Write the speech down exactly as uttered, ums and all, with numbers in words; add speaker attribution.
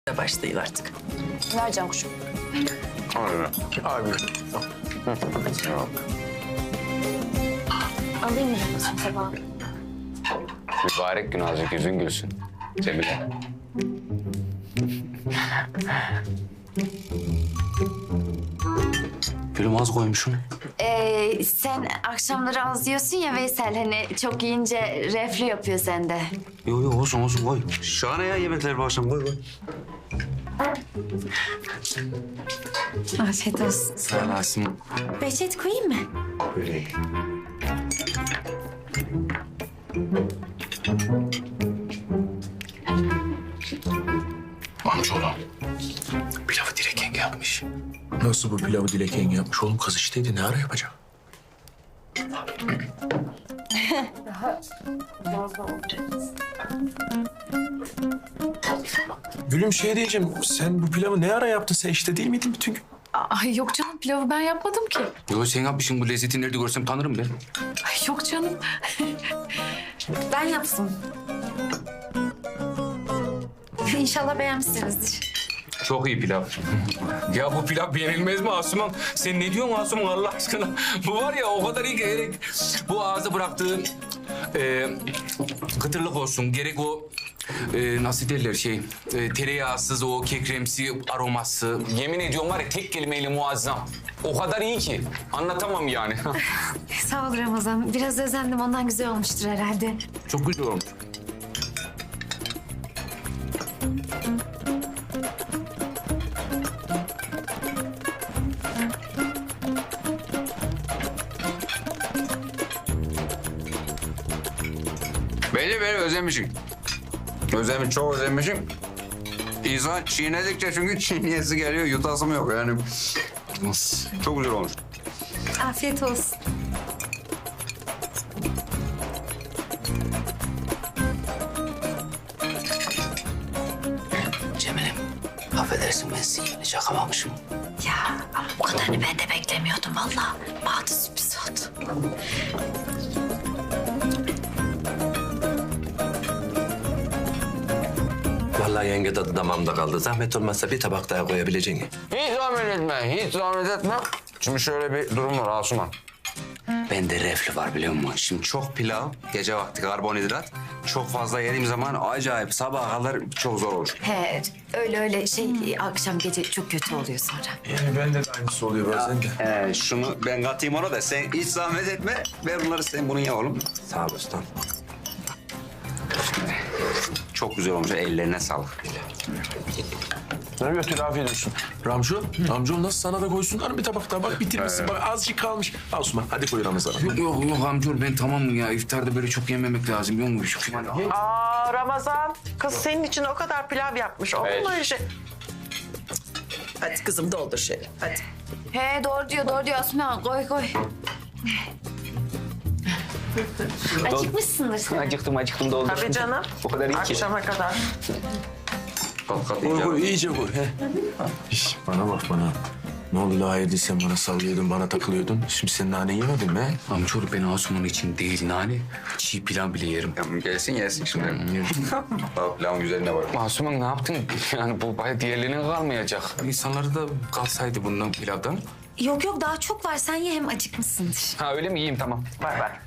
Speaker 1: başlayın artık.
Speaker 2: Ver Can kuşum.
Speaker 3: Aynen.
Speaker 1: Abi.
Speaker 2: Alayım mı tabağı?
Speaker 3: Mübarek gün azıcık yüzün gülsün. Cemile. Gülüm az koymuşsun.
Speaker 2: Ee, sen akşamları az yiyorsun ya Veysel. Hani çok yiyince reflü yapıyor sende.
Speaker 3: Yok yok olsun olsun koy. Şahane ya yemekler bu akşam koy koy.
Speaker 2: Afiyet olsun.
Speaker 3: Sağ olasın.
Speaker 2: Behçet koyayım mı?
Speaker 3: Böyle.
Speaker 1: Amcaoğlu. Pilavı Dilek yenge yapmış. Nasıl bu pilavı Dilek yenge yapmış? Oğlum kız işteydi. Ne ara yapacak? Gülüm şey diyeceğim. Sen bu pilavı ne ara yaptın? Sen işte değil miydin bütün gün?
Speaker 4: Ay yok canım, pilavı ben yapmadım ki.
Speaker 3: Yok sen yapmışsın, bu lezzeti nerede görsem tanırım ben.
Speaker 4: Ay yok canım.
Speaker 2: Ben yaptım. İnşallah beğenmişsinizdir.
Speaker 3: Çok iyi pilav. Ya bu pilav beğenilmez mi Asuman? Sen ne diyorsun Asuman Allah aşkına? Bu var ya o kadar iyi ki gerek bu ağza bıraktığı e, kıtırlık olsun. Gerek o e, nasıl derler şey e, tereyağsız o kekremsi aroması. Yemin ediyorum var ya tek kelimeyle muazzam. O kadar iyi ki anlatamam yani.
Speaker 2: Sağ ol Ramazan. Biraz özendim. Ondan güzel olmuştur herhalde.
Speaker 3: Çok güzel olmuş. Bence ben özlemişim. Özlemiş, çok özlemişim. İnsan çiğnedikçe çünkü çiğneyesi geliyor, yutasım yok yani. Çok güzel olmuş.
Speaker 2: Afiyet olsun.
Speaker 1: Cemile'm. Affedersin ben seni şakamamışım.
Speaker 2: Ya bu kadarını ben de beklemiyordum valla. Bana sürpriz oldu.
Speaker 1: Vallahi yenge tadı damağımda kaldı. Zahmet olmazsa bir tabak daha koyabileceğin.
Speaker 3: Hiç zahmet etme, hiç zahmet etme. Şimdi şöyle bir durum var Asuman. Bende reflü var biliyor musun? Şimdi çok pilav, gece vakti karbonhidrat. Çok fazla yediğim zaman acayip sabaha kadar çok zor olur.
Speaker 2: He öyle öyle şey akşam gece çok kötü oluyor sonra.
Speaker 1: Yani bende de aynısı oluyor bazen de.
Speaker 3: Ee, şunu ben katayım ona da sen hiç zahmet etme. Ver bunları sen bunu ye oğlum.
Speaker 1: Sağ ol ustam.
Speaker 3: Çok güzel olmuş. Ellerine sağlık.
Speaker 1: Ne götür afiyet olsun. Ramcu, amcam nasıl sana da koysunlar bir tabak daha. Bak bitirmişsin. Bak azıcık kalmış. Al Osman hadi koy Ramazan'a.
Speaker 3: Yok yok yok amcaoğlu ben tamamım ya. İftarda böyle çok yememek lazım. Biliyor musun? Şu
Speaker 5: Aa Ramazan, kız senin için o kadar pilav yapmış. Olur mu öyle şey? Hadi kızım doldur şöyle, hadi.
Speaker 2: He doğru diyor doğru diyor Osman koy koy. Acıkmışsındır sen.
Speaker 3: Acıktım acıktım doldur.
Speaker 5: Tabii canım.
Speaker 3: O kadar iyi ki.
Speaker 5: Akşama kadar.
Speaker 3: Kat kat
Speaker 1: Koy
Speaker 3: yiyeceğim.
Speaker 1: koy iyice koy. He. İş, bana bak bana. Ne oldu la hayırdır sen bana sallıyordun, bana takılıyordun. Şimdi sen nane yemedin mi? he?
Speaker 3: Amcaoğlu ben Asuman için değil nane. Çiğ pilav bile yerim. Tamam gelsin yesin şimdi. Bak pilavın güzeline bak. Asuman ne yaptın? Yani bu bayağı diğerlerine kalmayacak. İnsanları da kalsaydı bundan pilavdan.
Speaker 2: Yok yok daha çok var sen ye hem acıkmışsındır.
Speaker 3: Ha öyle mi? Yiyeyim tamam.
Speaker 5: Ver ver.